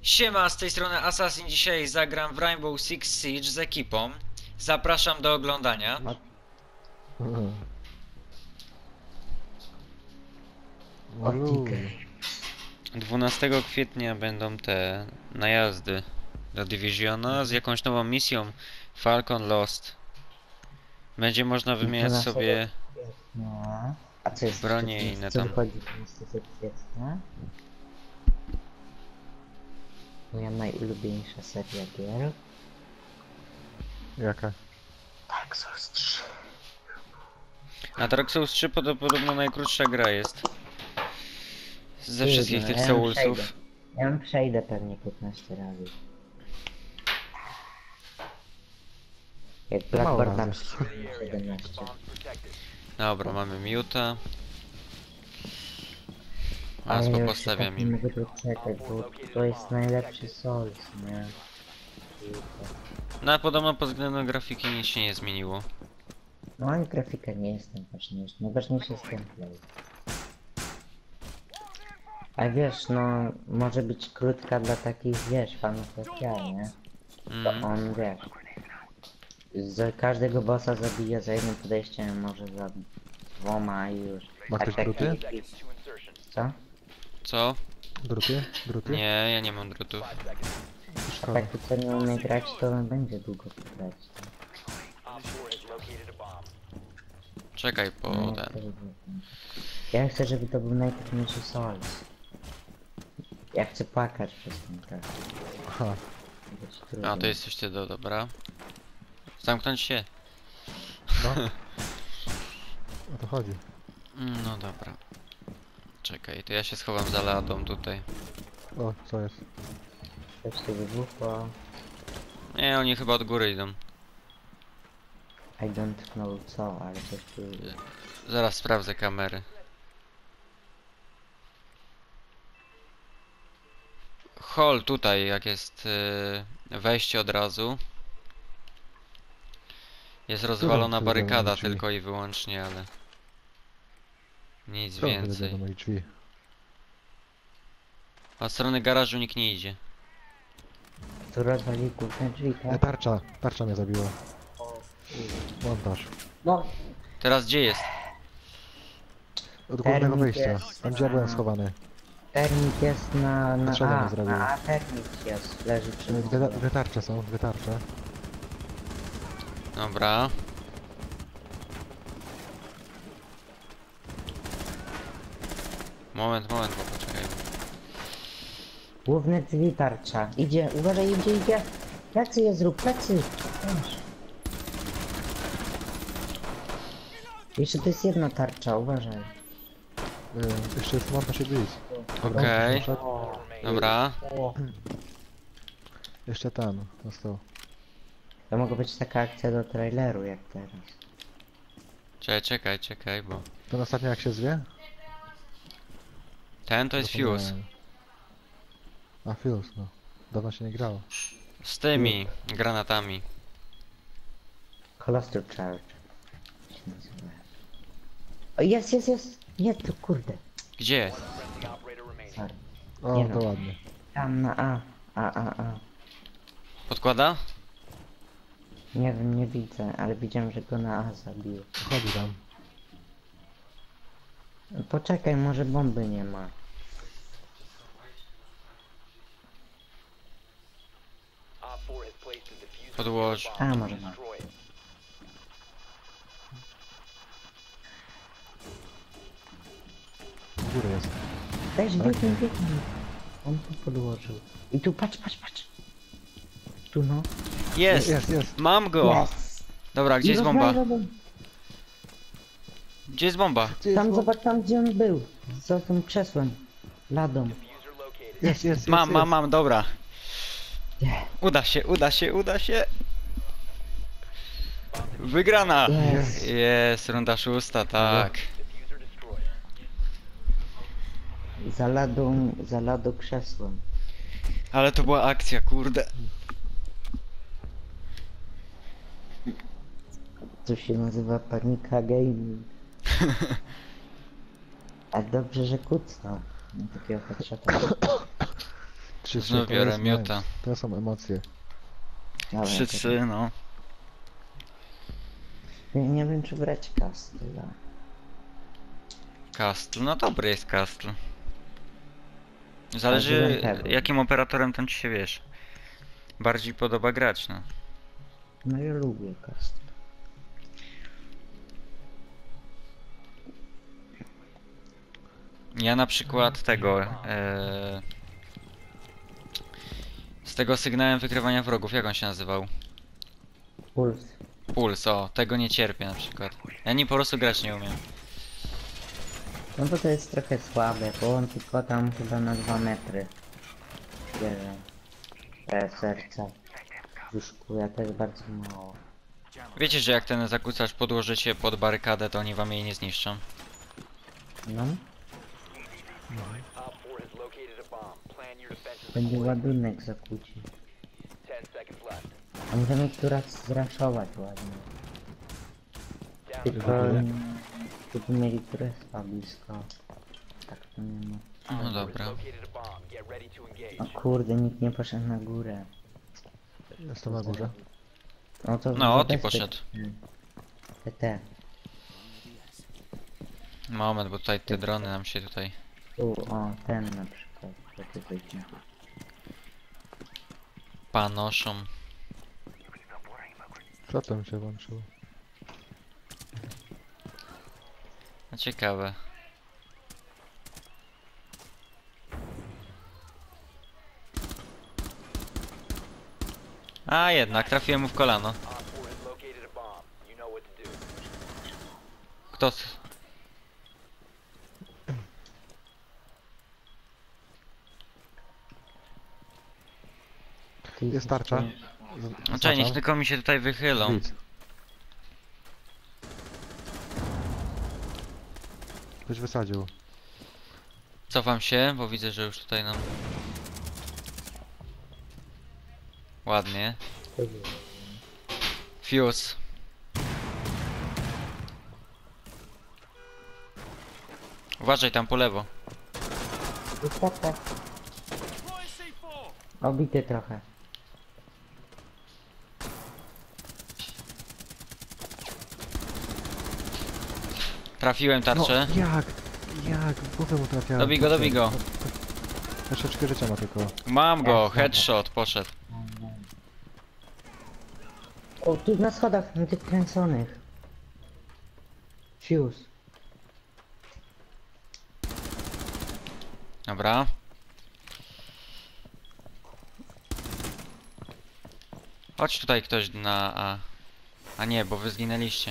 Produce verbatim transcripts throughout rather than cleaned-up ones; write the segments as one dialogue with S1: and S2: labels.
S1: Siema, z tej strony Assassin. Dzisiaj zagram w Rainbow Six Siege z ekipą. Zapraszam do oglądania. dwunastego kwietnia będą te najazdy do Divisiona z jakąś nową misją Falcon Lost. Będzie można wymieniać sobie
S2: No. A co jest
S1: bronie
S2: w
S1: i inne
S2: co
S1: tam.
S2: wychodzi dwunastego kwietnia? Moja najulubieńsza seria gier.
S3: Jaka?
S2: Dark Souls trzy.
S1: A Dark Souls trzy podo- podobno najkrótsza gra jest ze
S2: Trudno,
S1: wszystkich tych
S2: ja ją
S1: Soulsów.
S2: przejdę. Ja ją przejdę pewnie piętnaście razy. Jak
S3: Mało
S2: Blackboard na
S3: razy.
S2: przykład siedemnaście.
S1: Dobra, mamy Muta.
S2: Ale
S1: Masło
S2: ja
S1: postawiam
S2: już nie
S1: im.
S2: mogę doczekać, bo to jest najlepszy Souls, nie?
S1: No a podobno pod względem grafiki nic się nie zmieniło.
S2: No ani grafika nie jest najważniejsza, najważniejszy jest gameplay. A wiesz, no może być krótka dla takich, wiesz, fanów jak ja, nie? To
S1: Mm.
S2: on, wiesz, z każdego bossa zabija za jednym podejściem, może za dwoma i już.
S3: Ma
S2: A
S3: ktoś
S2: taki-
S3: druty?
S2: Co?
S1: Co?
S3: Druty? Druty?
S1: Nie, ja nie mam drutów.
S2: A
S3: Szkoda.
S2: taki co nie umie grać, to będzie długo grać.
S1: Czekaj po
S2: No,
S1: ten.
S2: to żeby- Ja chcę, żeby to był najtrudniejszy Souls. Ja chcę płakać przez ten grę.
S3: Aha.
S2: Być trudno.
S1: A to jesteś ty, do dobra. Zamknąć się.
S3: No. O to chodzi.
S1: Mm, No dobra. Czekaj, to ja się schowam za ladą tutaj.
S3: O, co jest?
S2: Coś tu wybuchło.
S1: Nie, oni chyba od góry idą.
S2: I don't know co, ale coś tu...
S1: Zaraz sprawdzę kamery. Hall tutaj, jak jest yy, wejście od razu. Jest rozwalona
S3: tu idą
S1: barykada
S3: drzwi?
S1: tylko i wyłącznie, ale nic
S3: Co tyle do
S1: więcej.
S3: moich drzwi?
S1: Od strony garażu nikt nie idzie.
S2: Tu rozwali główne drzwi,
S3: E,
S2: tak?
S3: tarcza! Tarcza mnie zabiła. Montaż.
S2: No,
S1: Teraz gdzie jest?
S3: Od głównego
S2: Termit
S3: wyjścia.
S2: jest.
S3: Tam gdzie ja byłem schowany.
S2: termit jest na... na
S3: Potrzeba
S2: A,
S3: mi zrobił.
S2: na A termit jest, leży przy
S3: E, Dwie, dwie tarcze są, dwie tarcze.
S1: Dobra. Moment, moment, bo poczekaj.
S2: Główne drzwi tarcza. Idzie, uważaj, idzie, idzie. Plecy je zrób, plecy. Weź. Jeszcze to jest jedna tarcza, uważaj.
S3: E, jeszcze jest montaż i blitz. Dobra,
S1: Okej.
S3: poszedł.
S1: Dobra.
S3: Jeszcze ten został.
S2: To mogła być taka akcja do traileru jak teraz.
S1: Czekaj, czekaj, czekaj, bo...
S3: Ten ostatni jak się zwie?
S1: Ten to jest Fuse.
S3: Zapomniałem. A Fuse, no. Dawno się nie grało.
S1: Z tymi granatami.
S2: Cluster Charge. się nazywa. O, jest, jest, jest. Nie, to kurde.
S1: Gdzie?
S2: Sorry.
S3: O,
S2: Nie
S3: to
S2: no.
S3: ładnie.
S2: Tam na A. A, A, A.
S1: Podkłada?
S2: Nie wiem, nie widzę, ale widziałem, że go na A zabił.
S3: Chodzi tam.
S2: Poczekaj, może bomby nie ma.
S1: Podłoż.
S2: A, może ma.
S3: W górę jest.
S2: Weź, biegnij, biegnij. On tu podłożył. I tu, patrz, patrz, patrz. Tu no.
S1: Jest!
S3: Jest, jest.
S1: Mam go!
S2: Yes.
S1: Dobra, gdzie
S2: I
S1: jest bomba?
S2: rozwalę.
S1: Gdzie jest bomba?
S3: Gdzie jest
S2: Tam,
S3: bomba?
S2: zobacz, tam gdzie on był. Za tym krzesłem. Ladą.
S3: Jest, jest,
S1: Mam,
S3: jest,
S1: mam,
S3: jest.
S1: mam, dobra.
S2: Nie.
S1: Uda się, uda się, uda się. Wygrana!
S2: Jest.
S1: Jest, runda szósta, tak.
S2: Za ladą, za ladą krzesłem.
S1: Ale to była akcja, kurde.
S2: To się nazywa panika gaming. A dobrze, że kucnął. No, takiego headshota.
S3: trzy,
S1: Znów
S3: trzy,
S1: biorę
S3: to jest
S1: miuta.
S3: nice. To są emocje.
S2: Dobra,
S1: trzy trzy, no.
S2: to- Nie, nie wiem czy brać Castla.
S1: Castle, no dobry jest Castle.
S2: Ale
S1: Zależy
S2: byłem pewien.
S1: jakim operatorem tam ci się, wiesz, bardziej podoba grać, no.
S2: No ja lubię Castla.
S1: Ja na przykład tego, e, z tego sygnałem wykrywania wrogów, jak on się nazywał?
S2: Puls.
S1: Puls, o, tego nie cierpię na przykład. Ja nim po prostu grać nie umiem.
S2: No bo to jest trochę słabe, bo on tylko tam chyba na dwa metry bierze te serca. Wyszkuje, to jest bardzo mało.
S1: Wiecie, że jak ten zakłócacz podłożycie pod barykadę, to oni wam jej nie zniszczą.
S2: No. Będzie ładunek zakłóci. A możemy tu raz zraszować ładnie. Tylko... Gdyby mieli turefa blisko. Tak to nie ma.
S1: No dobra.
S2: O kurde, nikt nie poszedł na górę.
S3: Jestem na górze.
S2: No to
S1: No, Oti
S2: zabezpiecz-
S1: poszedł.
S2: Te, te.
S1: Moment, bo tutaj te drony nam się tutaj...
S2: Tu, o, ten na przykład. To ty weźmie.
S1: panoszą.
S3: Co tam się włączyło?
S1: No ciekawe. A jednak, trafiłem mu w kolano. Kto? s-
S2: Ty
S3: Jest tarcza.
S2: jesteś-
S1: No czekaj, niech tylko mi się tutaj wychylą.
S3: Widz. Ktoś wysadził.
S1: Cofam się, bo widzę, że już tutaj nam... Ładnie. Fuse. Uważaj tam po lewo.
S2: Tak, tak. Obity trochę.
S1: Trafiłem tarczę.
S3: No, jak? Jak? W głowę mu trafiałem.
S1: Dobij go, dobij go.
S3: Troszeczkę życia ma tylko.
S1: Mam go,
S2: Dobra.
S1: headshot, poszedł.
S2: O, tu na schodach, na tych kręconych. Fuse.
S1: Dobra. Chodź tutaj ktoś na A. A nie, bo wy zginęliście.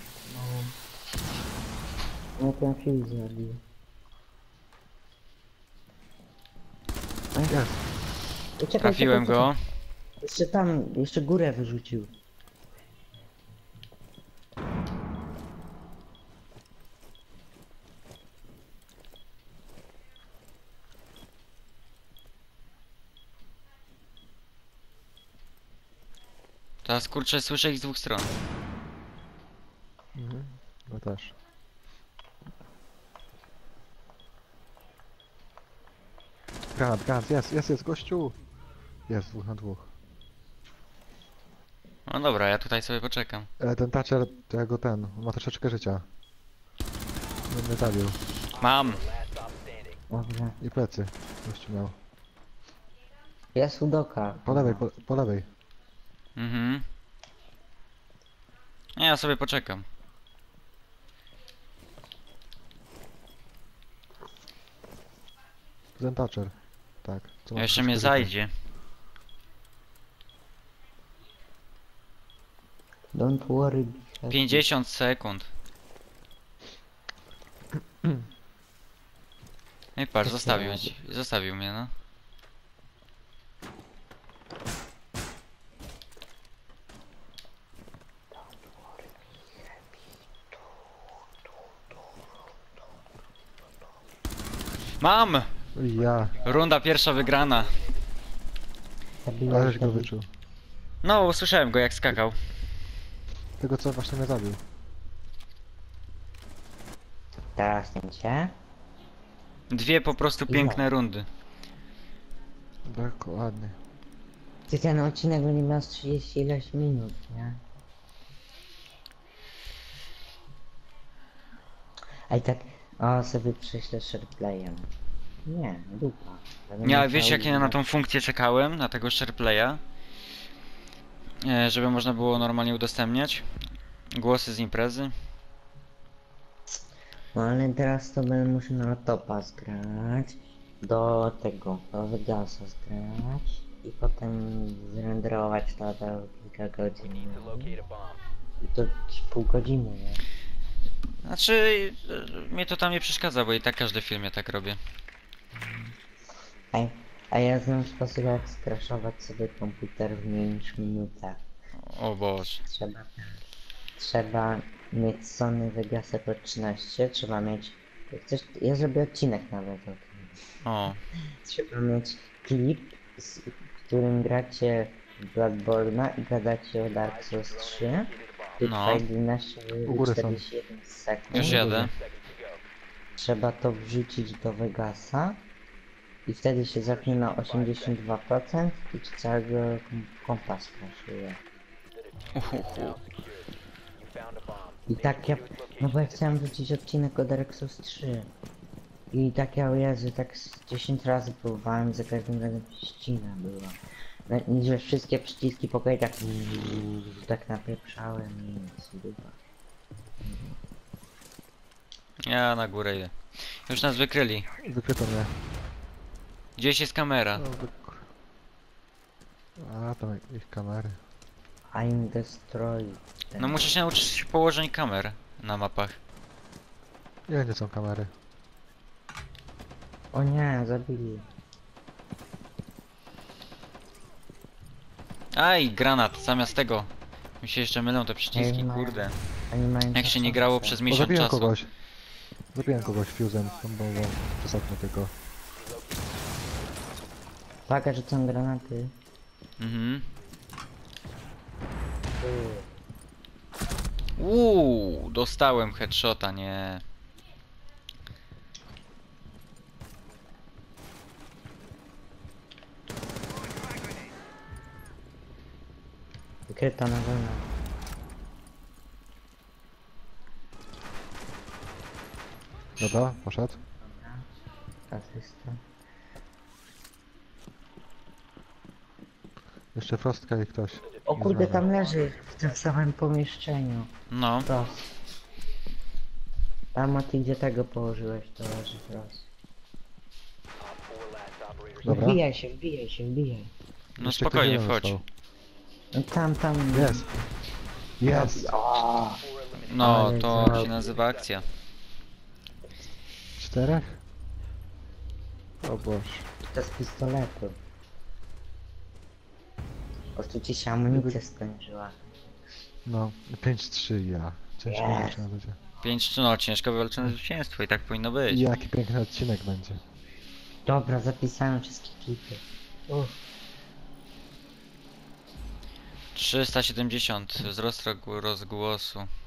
S2: No ten fuse zabił.
S3: Jest.
S2: Czekaj,
S1: Trafiłem
S2: czekaj,
S1: go.
S2: czekaj. Jeszcze tam, jeszcze górę wyrzucił.
S1: Teraz kurczę, słyszę ich z dwóch stron.
S3: Mhm. No też. Granat, granat, jest, jest, jest, gościu! Jest, dwóch na dwóch.
S1: No dobra, ja tutaj sobie poczekam.
S3: E, ten Thatcher, to ja go ten, on ma troszeczkę życia. Nie mnie zabił.
S1: Mam!
S2: Dobrze.
S3: I plecy. Gościu miał.
S2: Jest Udoka.
S3: Po lewej, po, po lewej.
S1: Mhm. Nie, ja sobie poczekam.
S3: Ten Thatcher. Tak. co ma
S1: Jeszcze
S3: troszeczkę
S1: mnie
S3: życia.
S1: zajdzie.
S2: Don't worry. be happy.
S1: pięćdziesiąt sekund. I patrz, zostawił, ci- zostawił mnie, no. Mam!
S3: Ja,
S1: Runda pierwsza wygrana.
S2: Zabiłeś
S3: ależ go
S2: go.
S3: wyczuł.
S1: No, usłyszałem go jak skakał.
S3: Tego co właśnie mnie zabił.
S2: Teraz ten cię.
S1: Dwie po prostu piękne rundy.
S3: Dokładnie.
S2: Ty ten odcinek będzie miał z trzydzieści ileś minut, nie? A i tak, o sobie prześlę shareplaya. Nie, dupa. Będę
S1: Ja
S2: musiał
S1: wiesz jak ja na
S2: iść-
S1: tą funkcję czekałem, na tego SharePlaya? E, żeby można było normalnie udostępniać głosy z imprezy.
S2: No ale teraz to będę musiał na laptopa zgrać. Do tego, do Vegasa zgrać. I potem zrenderować to do kilka godzin. I to z pół godziny, nie?
S1: Znaczy, e, mnie to tam nie przeszkadza, bo i tak każdy film ja tak robię.
S2: A, a ja znam sposób jak skraszować sobie komputer w mniej niż minutę.
S1: O Boże.
S2: Trzeba, trzeba mieć Sony Vegasa Pro trzynaście, trzeba mieć, jak chcesz, ja zrobię odcinek nawet o tym.
S1: O,
S2: Trzeba mieć klip, z w którym gracie w Bloodborne'a i gadacie o Dark Souls trzy. Klip
S1: No.
S2: trwa jedenaście
S3: U
S2: minut
S3: góry są.
S2: czterdzieści jeden sekund.
S1: już jadę.
S2: Trzeba to wrzucić do Vegasa i wtedy się zapnie na osiemdziesiąt dwa procent i ci całego kom- kompa skraszuje.
S1: Uhuhu.
S2: I tak ja, no bo ja chciałem wrzucić odcinek o Dark Souls trzy. I tak ja, o Jezu, tak z dziesięć razy próbowałem, za każdym razem ścina była. No, i że wszystkie przyciski pokoju tak, tak napieprzałem i nic, dupa.
S1: Ja na górę idę. Już nas wykryli.
S3: Wykryto mnie.
S1: Gdzieś jest kamera.
S3: No, wyk... A, tam ich kamery.
S2: I'm destroy.
S1: No muszę się nauczyć położeń kamer na mapach.
S3: Nie, nie są kamery.
S2: O nie, zabili.
S1: Aj, granat, zamiast tego. Mi się jeszcze mylą te przyciski,
S2: Ej, mają-
S1: kurde.
S2: Oni mają
S1: Jak się nie
S2: czasowce.
S1: grało przez
S3: O,
S1: miesiąc
S3: zabiłem
S1: czasu.
S3: kogoś. Zabiłem kogoś fuzem, tą bombą. Przez okno tylko.
S2: Uwaga, rzucam granaty.
S1: Mhm. Uuu, dostałem headshota, nie.
S2: Wykryta na wolno.
S3: Dobra, poszedł.
S2: Asysta.
S3: Jeszcze Frostka i ktoś.
S2: O kurde,
S3: Znowu.
S2: tam leży w tym samym pomieszczeniu.
S1: No,
S2: Frost. Tam, a ty gdzie tego położyłeś, to leży Frost.
S3: Dobra.
S2: Wbijaj się, wbijaj się, wbijaj.
S1: no
S3: Jeszcze
S1: spokojnie,
S3: ktoś
S1: wchodź.
S3: został.
S2: No tam, tam...
S3: Jest. Jest.
S2: O,
S1: No,
S2: Ale
S1: to
S2: za-
S1: się nazywa akcja.
S3: Czterech? O Boże.
S2: to z pistoletu. Po prostu ci się amunicja skończyła.
S3: No, pięć trzy ja. Ciężko
S2: Yes.
S3: yes. będzie.
S1: pięć trzy, no ciężko wywalczone zwycięstwo i tak powinno być.
S3: I jaki piękny odcinek będzie.
S2: Dobra, zapisałem wszystkie klipy. Uff.
S1: trzysta siedemdziesiąt wzrost rozgł- rozgłosu.